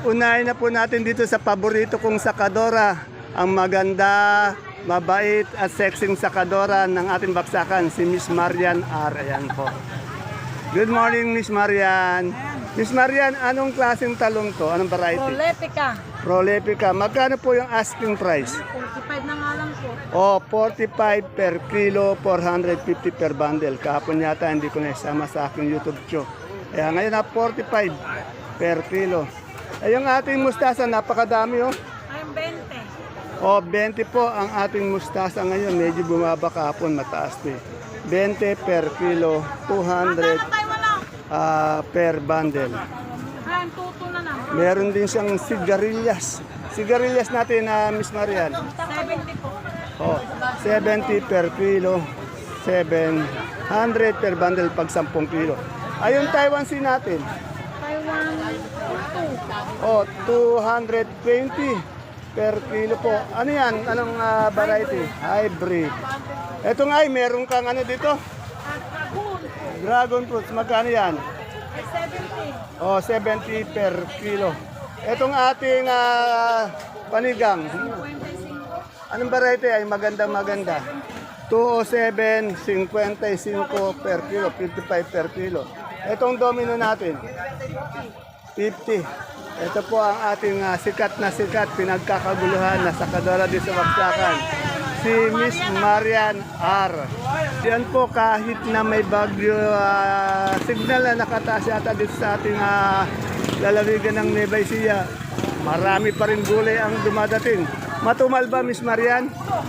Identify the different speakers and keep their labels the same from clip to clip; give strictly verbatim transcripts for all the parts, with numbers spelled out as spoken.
Speaker 1: unahin na po natin dito sa paborito kong sakadora, ang maganda, mabait at sexing sakadora ng ating baksakan, si Miss Marian R. Ayan po. Good morning, Miss Marian. Miss Marian, anong klaseng talong to? Anong variety?
Speaker 2: Proletica.
Speaker 1: Prolepica. Magkano po yung asking price?
Speaker 2: forty-five na nga lang po.
Speaker 1: O, forty-five per kilo, four hundred fifty per bundle. Kahapon yata hindi ko naisama sa aking YouTube show. Kaya ngayon na forty-five per kilo. Ay, yung ating mustasa, napakadami oh.
Speaker 2: Ay, twenty.
Speaker 1: O, twenty po ang ating mustasa ngayon. Medyo bumaba kahapon, mataas din. twenty per kilo, two hundred
Speaker 2: Magkano tayo wala?
Speaker 1: ah, per bundle.
Speaker 2: Ay, tuto na naman.
Speaker 1: Meron din siyang sigarilyas. Sigarilyas natin na Miss Marian.
Speaker 2: seventy po.
Speaker 1: Oh, seventy per kilo, seven hundred per bundle pag ten kilo. Ayun Taiwan Sea natin.
Speaker 2: Taiwan, two.
Speaker 1: Oh, two hundred twenty per kilo po. Ano yan? Anong ah, variety? Hybrid. Ito nga ay meron kang ano dito?
Speaker 2: At Dragoon,
Speaker 1: Dragon fruits. Magkano yan?
Speaker 2: ay seventy.
Speaker 1: Oh, seventy per kilo. Etong ating ah, panigang.
Speaker 2: twenty-five.
Speaker 1: Anong variety ay maganda maganda? two oh seven, fifty-five per kilo, fifty-five per kilo. Etong domino natin, fifty. Ito po ang ating ah, sikat na sikat, pinagkakaguluhan na sakadora di sa Baksakan. Si Miss Marian R. Yan po kahit na may bagyo ah, signal na nakataas yata dito sa ating ah, lalawigan ng Nueva Ecija. Marami pa rin gulay ang dumadating. Matumal ba, Miss Marian?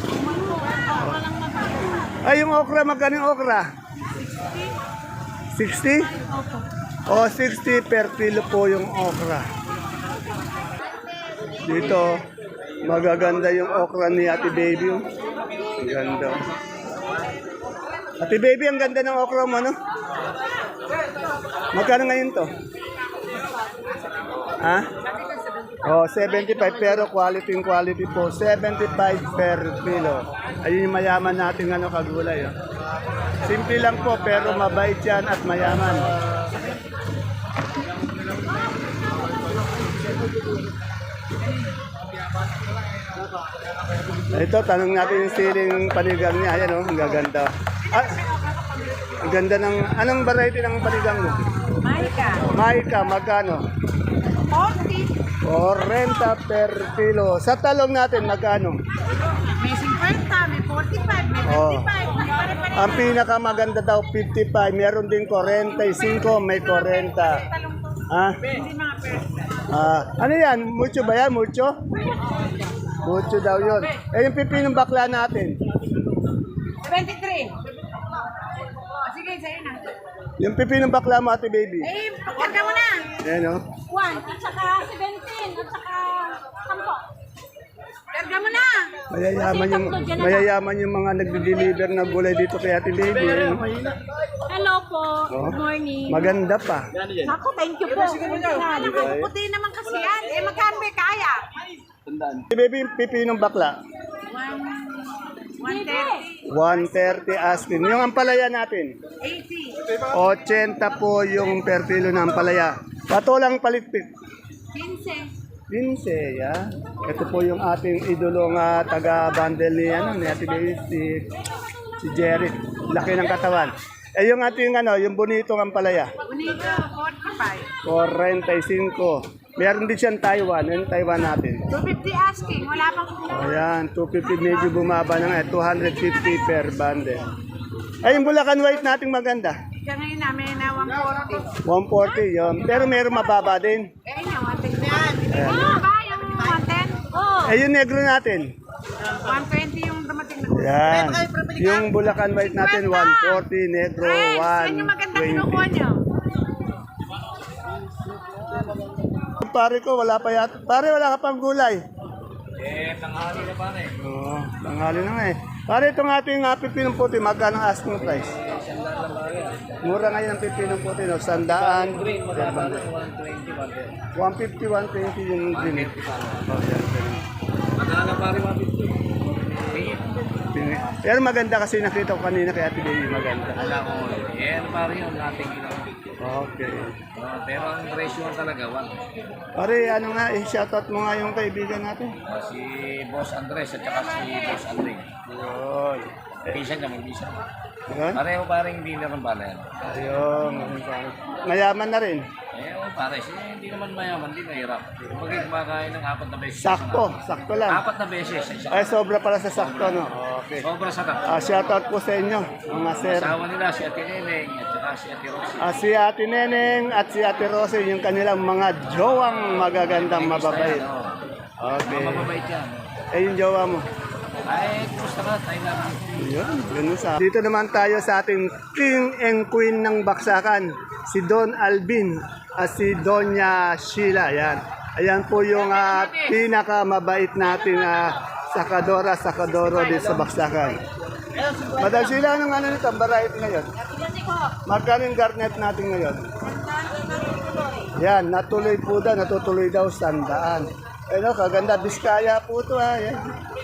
Speaker 1: Ay, yung okra, magkano yung okra? sixty? O, sixty per kilo po yung okra. Dito, magaganda yung okra ni Ate Baby. Oh. Ang ganda. Ate Baby, ang ganda ng okra mo, no? Magkano ngayon to? Ha? Oh, seventy-five pero quality in quality po. seventy-five per kilo. Ayun yung mayaman natin ano kagulay. Oh. Simple lang po pero mabait yan at mayaman. Ito, tanong natin yung siling panigang niya. Ayan oh, ang gaganda. Ah, ang ganda ng, anong variety ng panigang mo?
Speaker 2: Maika.
Speaker 1: Maika, magkano?
Speaker 2: forty.
Speaker 1: forty per kilo. Sa talong natin, magkano?
Speaker 2: May fifty, may forty-five, may
Speaker 1: Oh.
Speaker 2: fifty-five. Pare-pare.
Speaker 1: Ang pinakamaganda daw, fifty-five. Meron din forty-five, may forty.
Speaker 2: Talong to.
Speaker 1: Ah,
Speaker 2: Hindi mga persa.
Speaker 1: ah, ano yan? Mucho ba yan? Mucho? Mucho daw yun. Eh, yung pipinong bakla natin.
Speaker 2: twenty-three. Oh, sige, sa'yo na.
Speaker 1: Yung pipinong bakla mo, Ate Baby.
Speaker 2: Eh, pagkarga mo na.
Speaker 1: Ayan o.
Speaker 2: one, at saka seventeen, at saka sampo. Karga mo na.
Speaker 1: Mayayaman yung, mayayaman yung mga nagde-deliver na gulay dito kay Ate Baby. Ayan, oh.
Speaker 2: Hello po.
Speaker 1: Oh.
Speaker 2: Good morning.
Speaker 1: Maganda pa.
Speaker 2: Naku, thank you po. Puti naman kasi yan. Eh, magkano ba kaya?
Speaker 1: Ate Baby, yung pipinong bakla.
Speaker 2: one thirty.
Speaker 1: one thirty asking. Yung ampalaya natin.
Speaker 2: eighty.
Speaker 1: eighty po yung per kilo ng ampalaya. Patolang palitpik.
Speaker 2: fifteen.
Speaker 1: Linse, ya. Ito po yung ating idolong uh, taga-bundle ni, ano, ni Ate Baby, si, si Jerry. Laki ng katawan. Eh yung ating ano, yung bonitong ampalaya.
Speaker 2: Bonito, forty-five.
Speaker 1: forty-five. Meron din siyang Taiwan. Yung Taiwan natin.
Speaker 2: two fifty asking. Wala pang
Speaker 1: Ayan, two fifty medyo bumaba na nga. two fifty per bundle. Ay, yung Bulacan White nating maganda.
Speaker 2: Kaya ngayon namin na one forty.
Speaker 1: one forty yun. Pero meron mababa din.
Speaker 2: Eh, yun, one ten yan. Oh, ba yung one ten? Oh,
Speaker 1: Eh, yung negro natin.
Speaker 2: one twenty yung dumating na.
Speaker 1: Yan. Yung Bulacan White natin, one forty. Negro,
Speaker 2: Friends, yan yung maganda kinukuha
Speaker 1: one twenty.
Speaker 2: nyo.
Speaker 1: Pare ko, wala pa yata. Pare, wala ka pang gulay. Eh, tanghali na pare. Oo, tanghali na nga eh. Pare, itong ating uh, pipinong puti, magkano ang asking price? Mura ngayon ang pipinong puti, no? Sandaan. one fifty, one twenty yung green. Oh, yan, green.
Speaker 3: Magkano pare one fifty?
Speaker 1: Pini- eh. Pero maganda kasi nakita ko kanina kay Ate Baby, maganda.
Speaker 3: Wala ko. Eh, ano pa rin yun, nating ginawa.
Speaker 1: Okay.
Speaker 3: Ah, pero ang presyo talaga, one.
Speaker 1: Pare, ano nga, eh, shoutout mo nga yung kaibigan natin.
Speaker 3: Ah, si Boss Andres at saka si Boss Andre.
Speaker 1: Yun.
Speaker 3: Pisan ka, mag-pisan.
Speaker 1: Ayun.
Speaker 3: Pareho parang dealer ng balayan.
Speaker 1: Ayun. ganun pa. Mayaman na rin.
Speaker 3: Eh, oh, pare, siya hindi naman mayaman, hindi mahirap. Kapag kumakain ng apat na beses.
Speaker 1: Sakto, sakto lang.
Speaker 3: Apat na beses. sa isang-
Speaker 1: Ay, sobra pala sa sakto, no? Okay.
Speaker 3: Sobra sa tak.
Speaker 1: Ah, shoutout po sa inyo, mga sir.
Speaker 3: Asawa nila si Ate Neneng at saka si Ate Rosie.
Speaker 1: Ah, si Ate Neneng at si Ate Rose, yung kanilang mga jowang magagandang mababait. Okay.
Speaker 3: Mga mababait yan.
Speaker 1: Eh, yung jowa mo.
Speaker 3: Ay, kumusta ka? Tayo lang.
Speaker 1: Yun, ganun sa. Dito naman tayo sa ating king and queen ng baksakan, si Don Alvin at si Doña Sheila. Yan. Ayan po yung uh, pinakamabait natin uh, sakadora, sakadoro dito sa baksakan. Madam Sheila, anong ano nito? Ang variety ngayon? Magkano yung garnet natin ngayon? Yan, natuloy po daw, natutuloy daw sandaan. Ano, kaganda, Biskaya po ito ha. Yan.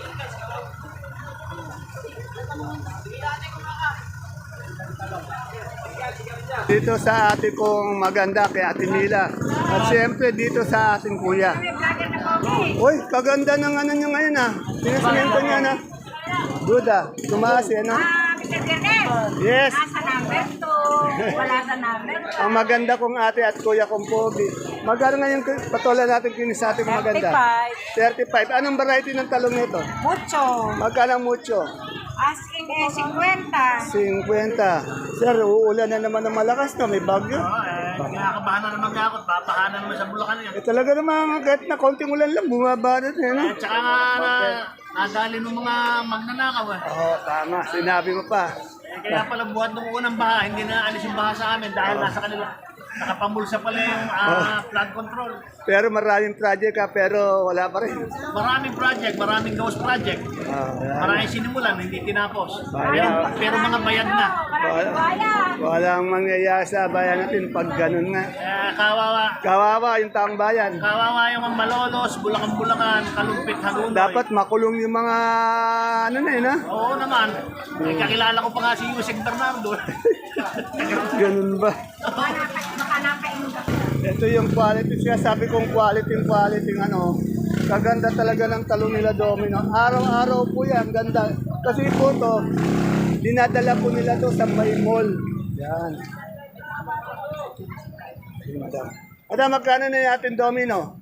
Speaker 1: Dito sa ate kong maganda kay Ate Mila. At siyempre dito sa ating kuya. Uy, kaganda ng ano nyo ngayon ah. Pinasimento niya na. Duda, tumaas yan ah.
Speaker 2: Mister Gernes,
Speaker 1: Yes.
Speaker 2: nasa number to. Wala sa number.
Speaker 1: Ang maganda kong ate at kuya kong pogi. Magkano ngayon patola natin kinis sa ating maganda? thirty-five. Anong variety ng talong nito?
Speaker 2: Mucho.
Speaker 1: Magkano mucho?
Speaker 2: Asking eh, fifty.
Speaker 1: fifty. Sir, uulan na naman ng malakas na, may bagyo.
Speaker 3: Kinakabahan na naman ako at babahan na naman sa Bulacan yan.
Speaker 1: Eh talaga naman, kahit na konting ulan lang, bumaba na rin. Ano?
Speaker 3: At saka nga na, nadali ng mga magnanakaw eh.
Speaker 1: Oo, tama. Sinabi mo pa.
Speaker 3: Eh, kaya pala buhat ng unang baha, hindi na alis yung baha sa amin dahil nasa kanila. Nakapamulsa pala yung ah, flood control.
Speaker 1: Pero maraming project ka, pero wala pa rin.
Speaker 3: Maraming project, maraming ghost project.
Speaker 1: Ah, wala.
Speaker 3: Maraming sinimulan, hindi tinapos.
Speaker 1: Bayan.
Speaker 3: Pero, pero mga bayad na.
Speaker 2: Maraming bayan.
Speaker 1: Walang mangyayari sa bayan natin pag ganun nga.
Speaker 3: Eh, kawawa.
Speaker 1: Kawawa yung taong bayan.
Speaker 3: Kawawa yung mga malolos, bulakan-bulakan, kalumpit, halunoy.
Speaker 1: Dapat makulong yung mga ano na yun ha?
Speaker 3: Oo naman. Eh, kakilala ko pa nga si Yusek Bernardo.
Speaker 1: Ganun ba?
Speaker 2: Baka nakain ka.
Speaker 1: Ito yung quality. Siya sabi kong quality, quality ano. Kaganda talaga ng talong nila Domino. Araw-araw po yan. Ganda. Kasi po to, dinadala po nila to sa may mall. Yan. Sige, madam. Madam, magkano na natin Domino?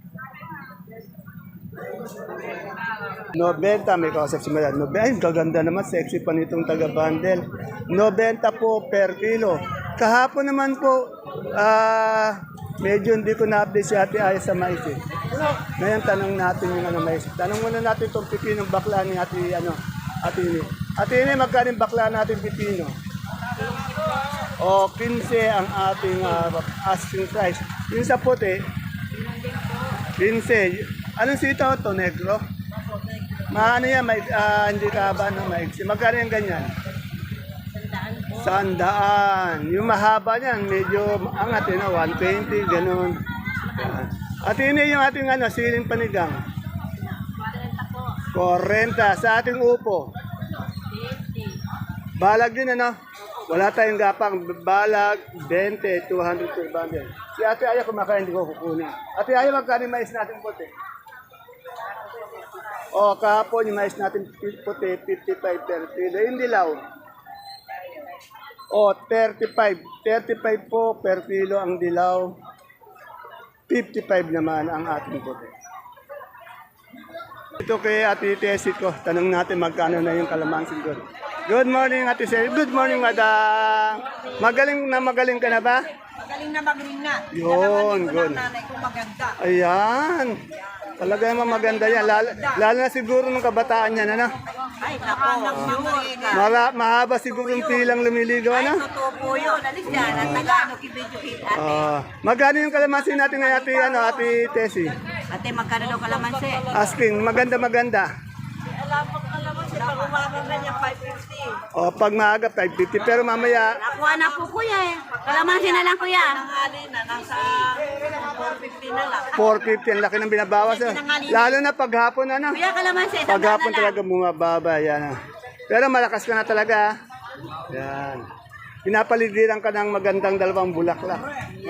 Speaker 1: Nobenta, may kausap si Madam. Nobe- Ay, kaganda naman. Sexy pa nitong taga-bundle. Nobenta po per kilo. Kahapon naman po, ah, medyo hindi ko na-update si Ate Aya sa mais eh. Ngayon, tanong natin yung ano, mais. Tanong muna natin itong pipinong bakla ni Ate, ano, Ate Ini. Ate Ini, magkano yung bakla natin pipino? O, fifteen ang ating ah, asking price. Yung sa puti, fifteen. Anong sitaw to, negro? Maano yan, may, ah, hindi ka ba na maiksi? Magkano yung ganyan? Sandaan. Yung mahaba niyan, medyo angat yun, one twenty, ganun. Yan. At ini yung ating ano, siling panigang. forty. Sa ating upo. Balag din ano? Wala tayong gapang. Balag, twenty, two hundred per bundle. Si Ate Aya kumakain, hindi ko kukunin. Ate Aya, magkano yung mais natin puti? O, kahapon yung mais natin puti, fifty-five per kilo. Yung dilaw. O, thirty-five. thirty-five po per kilo ang dilaw. fifty-five naman ang ating puti. Ito kay Ate Tessie ko. Tanong natin magkano na yung kalamansin doon. Good morning, Ate Tessie. Good morning, Madam. Magaling na magaling ka na ba?
Speaker 2: Magaling na magaling na.
Speaker 1: Yun, good.
Speaker 2: Nanay ko maganda.
Speaker 1: Ayan. Talaga naman maganda yan. Lalo, lalo na siguro nung kabataan yan, ano?
Speaker 2: Ay, nakanak mo
Speaker 1: Mara, mahaba siguro yung pilang lumiligaw, ano?
Speaker 2: Totoo po yun. Alis yan. Ang Tagalog, i-video hit. Ate,
Speaker 1: Ah, magkano yung kalamansin natin ngayon, Ate, ano, Ate Tessie?
Speaker 2: ate magkano daw kalamansi?
Speaker 1: Asking, maganda, maganda.
Speaker 2: Alam mo kalamansi, pag umagang ganyan, five fifty.
Speaker 1: O, pag maaga, five fifty. Pero mamaya,
Speaker 2: Nakuha na po kuya eh. Kalamansi na lang kuya. Nangali na, nasa four fifty na lang.
Speaker 1: four fifty, ang laki ng binabawas. ah. Lalo na paghapon, ano?
Speaker 2: Kuya, kalamansi, isang daan
Speaker 1: Paghapon
Speaker 2: na lang.
Speaker 1: talaga bumababa, yan. ah. Pero malakas ka na talaga. Yan. Pinapaligiran ka ng magandang dalawang bulaklak.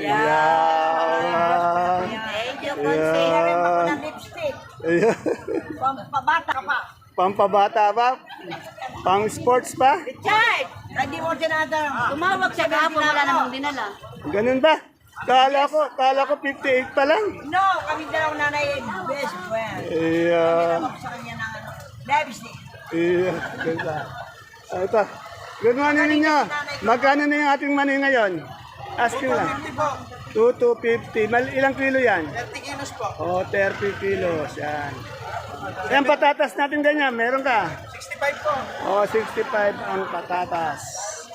Speaker 1: Yan.
Speaker 4: Thank you,
Speaker 1: Yeah.
Speaker 4: Consi. Ako ng lipstick.
Speaker 1: Ayan.
Speaker 4: Pabata ka pa.
Speaker 1: Pampabata ba? Pang sports pa?
Speaker 4: Richard! Hindi mo dinadam.
Speaker 2: Tumawag siya kahapon, wala namang dinala.
Speaker 1: Ganun ba? Kala ko, kala ko fifty-eight pa lang.
Speaker 4: No, kami dalawang nanay best friend.
Speaker 1: Iya.
Speaker 4: Ako sa kanya ng ano, lipstick.
Speaker 1: Iya. Ganda. Ah, ito. Good morning ninyo. Magkano na yung ating mani ngayon? Asking lang. two to fifty. Mal ilang kilo yan? thirty kilos po. Oh, thirty kilos. Yan. Yan patatas natin ganyan. Meron ka?
Speaker 3: sixty-five po.
Speaker 1: Oh, sixty-five ang patatas.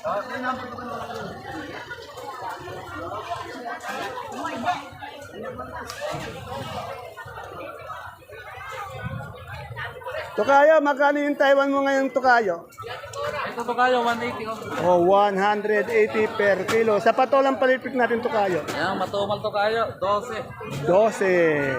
Speaker 1: Tukayo, magkano yung Taiwan mo ngayon, Tukayo?
Speaker 5: Ito to kayo, one eighty ko.
Speaker 1: Oh, one eighty per kilo. Sa patolang palipik natin, Tukayo.
Speaker 5: Ayan, matumal to kayo, twelve.
Speaker 1: twelve.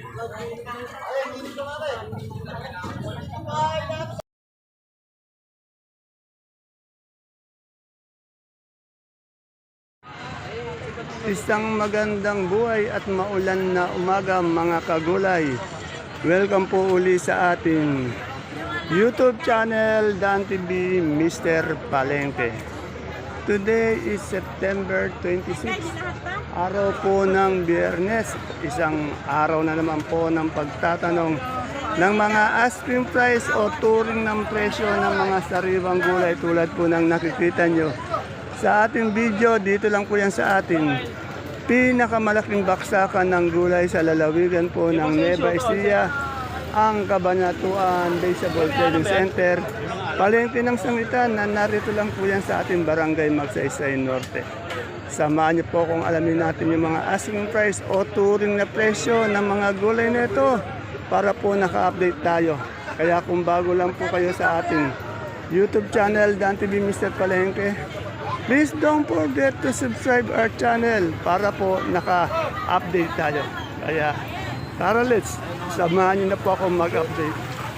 Speaker 1: Isang magandang buhay at maulan na umaga mga kagulay. Welcome po uli sa ating YouTube channel Dan T V Mister Palengke. Today is September twenty-sixth, araw po ng Biyernes. Isang araw na naman po ng pagtatanong ng mga asking price o turing ng presyo ng mga sariwang gulay tulad po ng nakikita nyo sa ating video. Dito lang po yan sa ating pinakamalaking baksakan ng gulay sa lalawigan po ng Nueva Ecija, ang Cabanatuan Vegetable Trading Center, palengke ng sangitan na narito lang po yan sa ating barangay Magsaysay Norte. Samahan niyo po kung alamin natin yung mga asking price o turing na presyo ng mga gulay na ito para po naka-update tayo. Kaya kung bago lang po kayo sa ating YouTube channel Dan T V Mister Palengke, please don't forget to subscribe our channel para po naka-update tayo. Kaya tara, let's samahan niyo na po ako mag-update.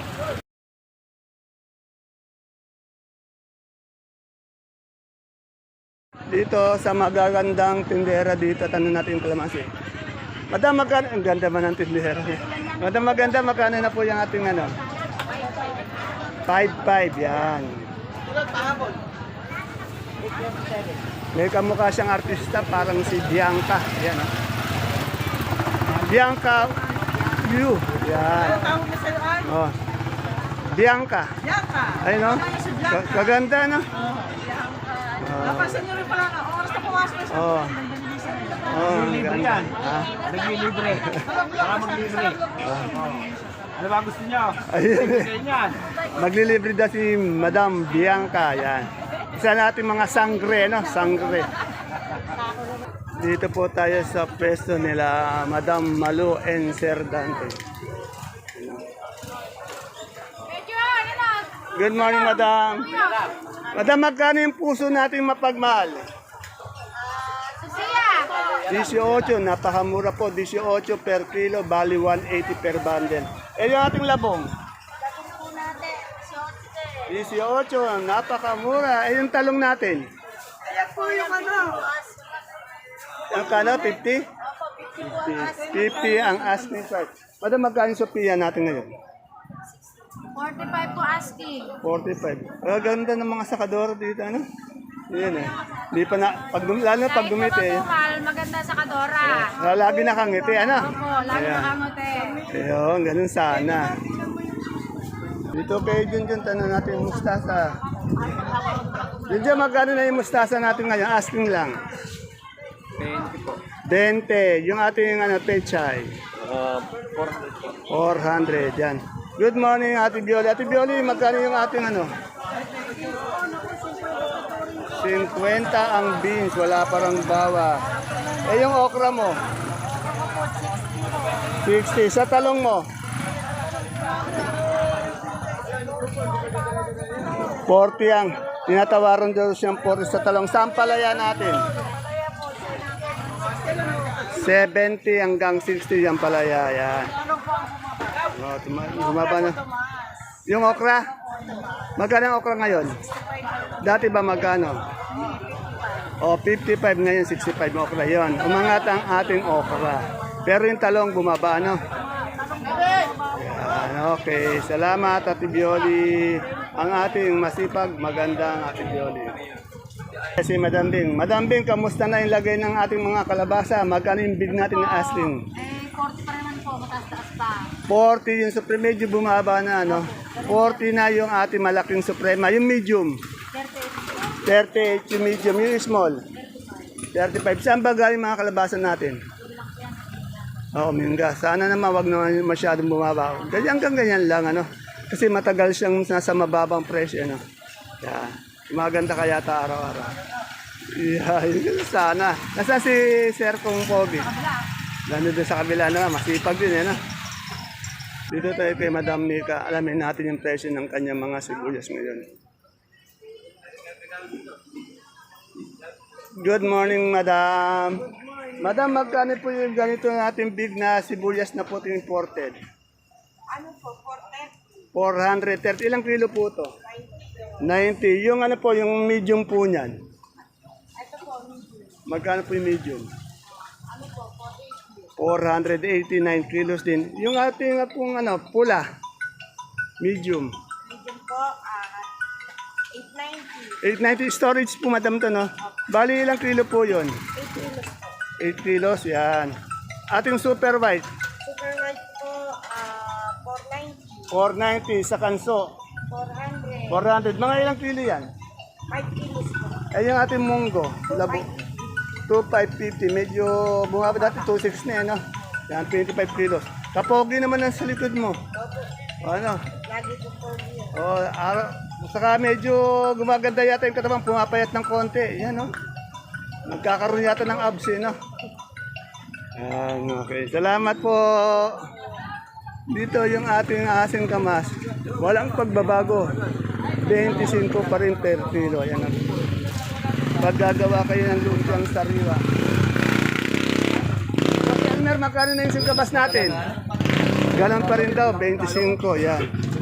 Speaker 1: Dito sa magagandang tindera dito, tanong natin yung kalamansi. Madam, magkano? Ang ganda ba ng tindera niya? Madam, maganda, magkano na po yung ating ano? five five, yan. May kamukha siyang artista, parang si Bianca. Yan, ah. Bianca Yu. Yan. Oh. Bianca.
Speaker 4: Bianca.
Speaker 1: Ay, no? Ka- Kaganda, no?
Speaker 4: Napansin niyo rin pala na oras na pumasok sa
Speaker 1: Oh. Oh, ang
Speaker 3: Libre
Speaker 1: ganda.
Speaker 3: yan.
Speaker 1: Ah.
Speaker 3: Naglilibre. Baka maglibre. Ano ba gusto niyo?
Speaker 1: Ayun.
Speaker 3: Ganyan.
Speaker 1: Maglilibre daw si Madam Bianca. Yan. Isa natin mga sangre, no? Sangre. Dito po tayo sa pwesto nila Madam Malu and Sir Dante. Good morning, Madam. Madam, magkano yung puso natin mapagmahal? eighteen, napakamura po. eighteen per kilo, bali one eighty per bundle. Eh, yung ating labong? eighteen, napakamura. Eh, yung talong natin?
Speaker 4: Ayan po yung ano.
Speaker 1: Ang kano, fifty? fifty. fifty ang asking price. Madam, magkano yung Sophia natin ngayon?
Speaker 2: forty-five po asking.
Speaker 1: forty-five. Ang ganda ng mga sakador dito, ano? Yan eh. Di pa na, pag, dum- lalo na pag dumiti eh.
Speaker 2: Mahal, maganda sa Kadora.
Speaker 1: Ah, lagi nakangiti, ano?
Speaker 2: Opo, lalo
Speaker 1: Ayan.
Speaker 2: nakangote.
Speaker 1: Ayun, ganun sana. Dito kay Junjun, tanong natin yung mustasa. Junjun, magkano na yung mustasa natin ngayon? Asking lang.
Speaker 5: twenty po.
Speaker 1: twenty. Yung ating ano, pechay.
Speaker 5: Uh,
Speaker 1: four hundred, yan. Good morning, Ate Bioli. Ate Bioli, magkano yung ating ano? fifty ang beans, wala parang bawa. Eh, yung okra mo? sixty. Sa talong mo? forty ang. Tinatawaran daw siyang forty sa talong. Saan palaya natin? seventy hanggang sixty yung palaya. Yan. Oh, tuma- bumaba na. Yung okra? Magkano ang okra ngayon? Dati ba magkano? O, fifty-five ngayon, sixty-five ang okra yon. Umangat ang ating okra. Pero yung talong bumaba, ano? Yan, okay. Salamat, Ate Bioli. Ang ating masipag, magandang Ate Bioli. Si Madam Bing. Madam Bing, kamusta na yung lagay ng ating mga kalabasa? Magkano yung bid natin na asking?
Speaker 2: Eh, forty pa naman po, mataas-taas pa.
Speaker 1: forty yung supreme, medyo bumaba na, ano? forty na yung ating malaking suprema. Yung medium, thirty-eight yung medium. Yung small, thirty-five. Saan ba galing mga kalabasa natin? Oo, Minga. Sana naman wag naman masyadong bumaba. Ganyan hanggang ganyan lang, ano? Kasi matagal siyang nasa mababang presyo, ano? Yeah. Maganda kaya ta araw-araw. Yeah, yun sana. Nasa si Sir Kong Pogi? Nandun din sa kabila na, masipag din, ano? Dito tayo kay Madam Nika. Alamin natin yung presyo ng kanyang mga sibuyas ngayon. Good morning, Madam. Madam, magkano po yung ganito natin big na sibuyas na puti imported?
Speaker 4: Ano po,
Speaker 1: four hundred thirty. Ilang kilo po to? ninety. Yung ano po, yung medium po niyan?
Speaker 4: Ito po,
Speaker 1: Magkano po yung medium? four hundred eighty-nine kilos din. Yung ating nga pong ano, pula, medium.
Speaker 4: medium po, ah, eight ninety.
Speaker 1: eight ninety storage po, madam to, no? Bali, ilang kilo po yun?
Speaker 4: eight kilos po.
Speaker 1: eight kilos, yan. Ating super white,
Speaker 4: Super white po, ah, four ninety.
Speaker 1: four ninety sa kanso,
Speaker 4: four hundred.
Speaker 1: four hundred. Mga ilang kilo yan?
Speaker 4: five kilos po.
Speaker 1: Ay, yung ating munggo, labo, two five fifty. Medyo bumaba dati, two six na, no? Yan, twenty-five kilos. Kapogi naman ang sa likod mo.
Speaker 4: Opo,
Speaker 1: Ano?
Speaker 4: lagi po po yun.
Speaker 1: Oh, araw. Saka medyo gumaganda yata yung katawan, pumapayat ng konti. Yan, no? Nagkakaroon yata ng abs, eh, no? Yan, okay. Salamat po. Dito yung ating asin kamas. Walang pagbabago. twenty-five pa rin per kilo. Yan, no? Pag gagawa kayo ng lumpiang sariwa. Okay, Elmer, magkano na yung singkabas natin? Ganon pa rin daw, twenty-five. Yan.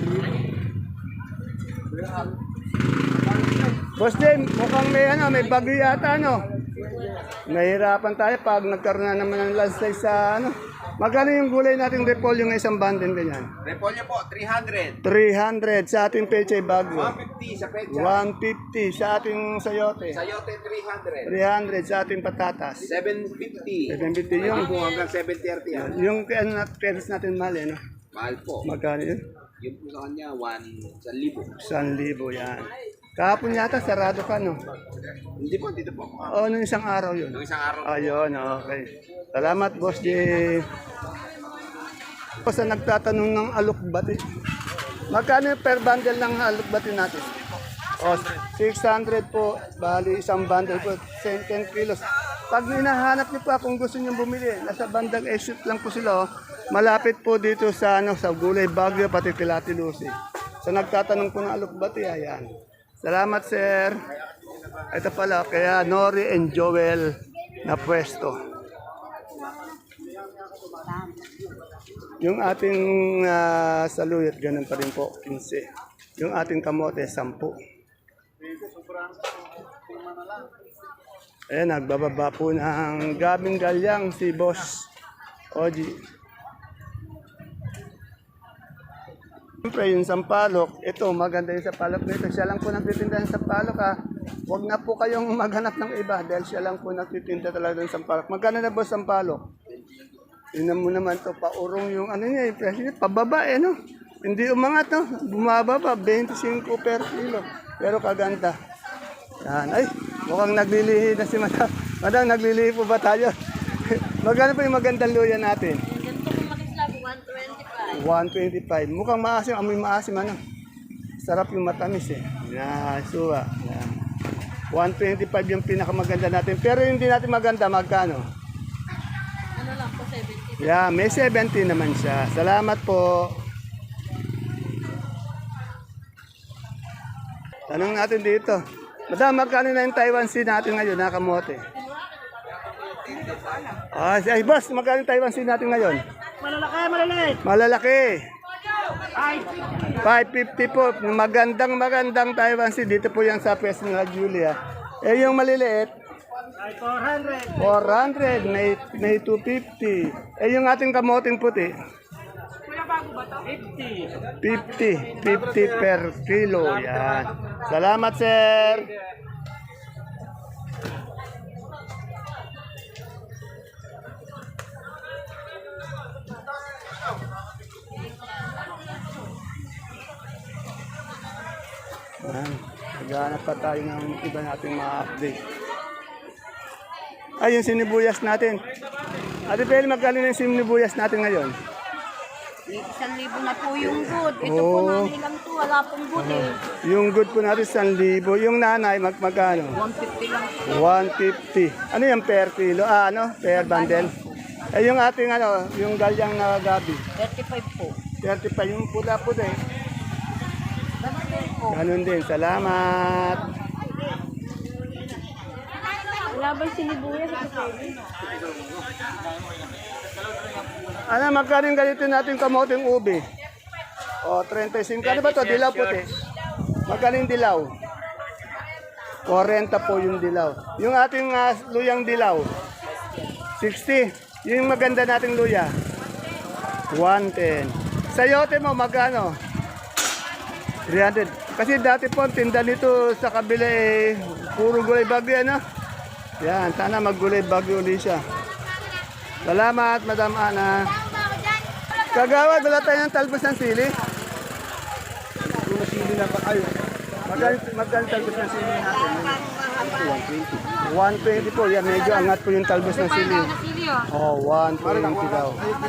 Speaker 1: Boss Jim, mukhang may ano, may bagyo yata, ano? Nahihirapan tayo pag nagkaroon na naman ng landslide sa ano. Magkano yung gulay nating repolyo ng isang bundle ganyan?
Speaker 6: Repolyo po, three hundred.
Speaker 1: three hundred sa ating pechay bagyo.
Speaker 6: one fifty sa pecha.
Speaker 1: one fifty sa ating sayote.
Speaker 6: Sayote, three hundred.
Speaker 1: three hundred sa ating patatas.
Speaker 6: seven fifty.
Speaker 1: seven fifty
Speaker 6: Yung
Speaker 1: yung
Speaker 6: po hanggang seven thirty. ah.
Speaker 1: yung ano na pesos natin mahal, eh, no?
Speaker 6: Mahal po.
Speaker 1: Magkano yun?
Speaker 6: Yung po sa kanya, one sa libo.
Speaker 1: one libo yan. Kahapon yata sarado ka, no?
Speaker 6: Hindi po, dito po.
Speaker 1: Oo, nung isang araw yun.
Speaker 6: Nung isang araw.
Speaker 1: Ayun, okay. Salamat, Boss J. Ako sa nagtatanong ng alukbati. Magkano yung per bundle ng alukbati natin? O, six hundred po. Bali, isang bundle po. ten kilos. Pag hinahanap niyo pa kung gusto niyo bumili, nasa bandang exit lang po sila. Oh. Malapit po dito sa ano sa Gulay Bagyo, pati Pilati Lucy. Sa nagtatanong po ng alukbati, ayan. Salamat, sir. Ito pala, kaya Nori and Joel na pwesto. Yung ating uh, saluyot, ganun pa rin po, fifteen. Yung ating kamote, ten. Ayan, nagbababa po ng gabing galyang si Boss Oji. Siyempre, yung sampalok, ito, maganda yung sampalok nito. Siya lang po nagtitinda ng sampalok, ha. Huwag na po kayong maghanap ng iba dahil siya lang po nagtitinda talaga ng sampalok. Magkano na Boss sampalok? Tingnan mo naman to, paurong yung ano niya, yung presyo niya, pababa eh, no? Hindi umangat, no? Bumaba pa, twenty-five per kilo. Pero kaganda. Yan, ay, mukhang naglilihi na si Madam. Madam, naglilihi po ba tayo? Magkano po yung magandang luya natin?
Speaker 2: Ganito kung makislab, one twenty-five.
Speaker 1: one twenty-five. Mukhang maasim, amoy maasim, ano? Sarap yung matamis, eh. Yan, suwa. Yan. one twenty-five yung pinakamaganda natin. Pero yung hindi natin maganda, magkano?
Speaker 2: Ano lang po, seventy.
Speaker 1: Yeah, may seventy naman siya. Salamat po. Tanong natin dito. Madam, magkano na yung Taiwan Sea natin ngayon, nakamote? Ah, ay, boss, magkano yung Taiwan Sea natin ngayon?
Speaker 4: Malalaki, malaliit.
Speaker 1: Malalaki. five fifty po. Magandang magandang Taiwan Sea. Dito po yan sa Pes nila Julia. Eh yung maliliit,
Speaker 3: four hundred.
Speaker 1: four hundred. May, may two fifty. Eh yung ating kamoting puti,
Speaker 3: fifty.
Speaker 1: fifty. fifty per kilo. Yan. Salamat, sir. Yan. Maghanap pa tayo ng iba nating mga update. Ay, yung sinibuyas natin. Ate Bel, magkano na yung sinibuyas natin ngayon?
Speaker 2: Isang libo na po yung good. Ito po
Speaker 1: Oo.
Speaker 2: namin lang to. Wala pong good eh.
Speaker 1: Yung good po natin, one libo. Yung nanay, mag magkano?
Speaker 2: one fifty lang po.
Speaker 1: one fifty. Ano yung per kilo? Ah, ano? Per bundle? Eh, yung ating ano, yung galyang na gabi.
Speaker 2: thirty-five po.
Speaker 1: thirty-five. Yung pula-pula eh.
Speaker 2: Ganun din po.
Speaker 1: Ganun din. Salamat.
Speaker 2: Wala ba yung sinibuyas?
Speaker 1: Ano, magkano yung ganito natin kamoting ubi? O, thirty-five. Ano ba to? Dilaw puti. Magkano yung dilaw? forty po yung dilaw. Yung ating ah, luyang dilaw? sixty. Yung maganda nating luya? one ten. Sayote mo, magkano? three hundred. Kasi dati po, ang tinda nito sa kabila eh, puro gulay bagyo, ano? Yan, sana maggulay bagyo ulit siya. Salamat, Madam Ana. Kagawad, wala tayo ng talbos ng sili. Yung sili na pa kayo. Magkano magkano talbos ng sili natin? one twenty po. Yan, medyo angat po yung talbos ng sili. Oh, one twenty daw.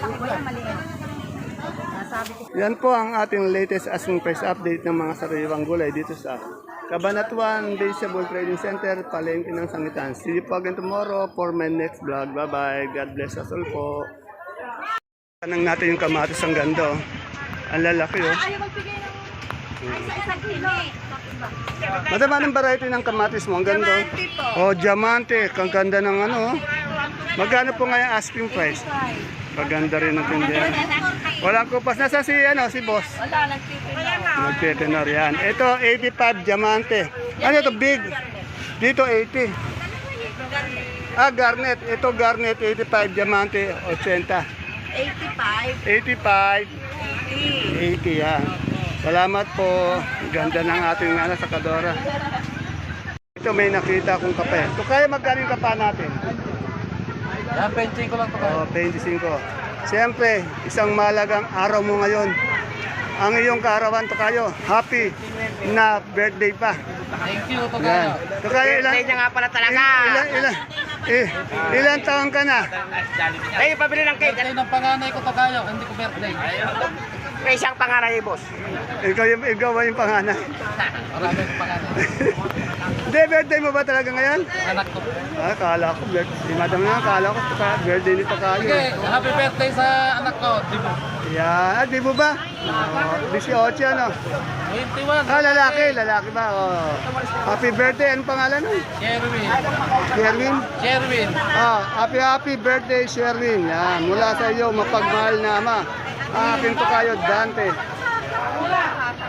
Speaker 1: Yan po ang ating latest asking price update ng mga sariwang gulay dito sa Cabanatuan Vegetable Trading Center, Palengke ng Sangitan. See you po again tomorrow for my next vlog. Bye-bye. God bless us all po. Tanang natin yung kamatis ang ganda. Oh. Ang lalaki oh.
Speaker 2: Ayaw magbigay ng... Ay, sa isang kilo.
Speaker 1: Madam, anong variety ng kamatis mo? Ang ganda. Oh, diamante. Ang ganda ng ano. Oh. Magkano po ngayon asking price? Maganda rin ang tindihan. Walang kupas. Nasa si, ano, si boss?
Speaker 2: Wala, nagtitinor.
Speaker 1: Nagtitinor yan. Ito, eighty-five diamante. Ano ito, big? Dito, eighty. Ah, garnet. Ito, garnet, eighty-five diamante, eighty.
Speaker 2: eighty-five.
Speaker 1: eighty-five. eighty, yan. Salamat po. Ganda ng ating ano, sakadora. Ito, may nakita akong kape. Ito, kaya magkano yung kapa natin?
Speaker 5: Yan, twenty ko lang to kayo.
Speaker 1: Oh, twenty-five. Siyempre, isang malagang araw mo ngayon. Ang iyong kaarawan to kayo. Happy na birthday pa.
Speaker 5: Thank you to
Speaker 1: Yan.
Speaker 5: kayo.
Speaker 1: To kayo ilan?
Speaker 6: Birthday niya nga pala talaga.
Speaker 1: Ilan, ilan, eh, ilan taon ka na?
Speaker 6: Ay, pabili ng cake.
Speaker 5: Birthday ng panganay ko to kayo. Hindi ko birthday.
Speaker 6: May isang pangalan boss.
Speaker 1: Ikaw yung, ikaw ba yung pangalan?
Speaker 5: Marami ng panganay.
Speaker 1: Hindi, birthday mo ba talaga ngayon?
Speaker 5: Anak ko.
Speaker 1: Ah, kala ko, birthday. Si madam na, kala ko, ka- birthday nito kayo.
Speaker 5: Okay, happy birthday sa anak ko. Di mo?
Speaker 1: Yan, ah, di mo ba? Oh, eighteen, ano?
Speaker 5: twenty-one.
Speaker 1: Ah, lalaki, lalaki ba? Oh. Happy birthday, anong pangalan mo?
Speaker 5: Sherwin.
Speaker 1: Sherwin?
Speaker 5: Sherwin.
Speaker 1: Ah, happy happy birthday, Sherwin. Yan, mula sa iyo, mapagmahal na ama. Akin to kayo, Dante.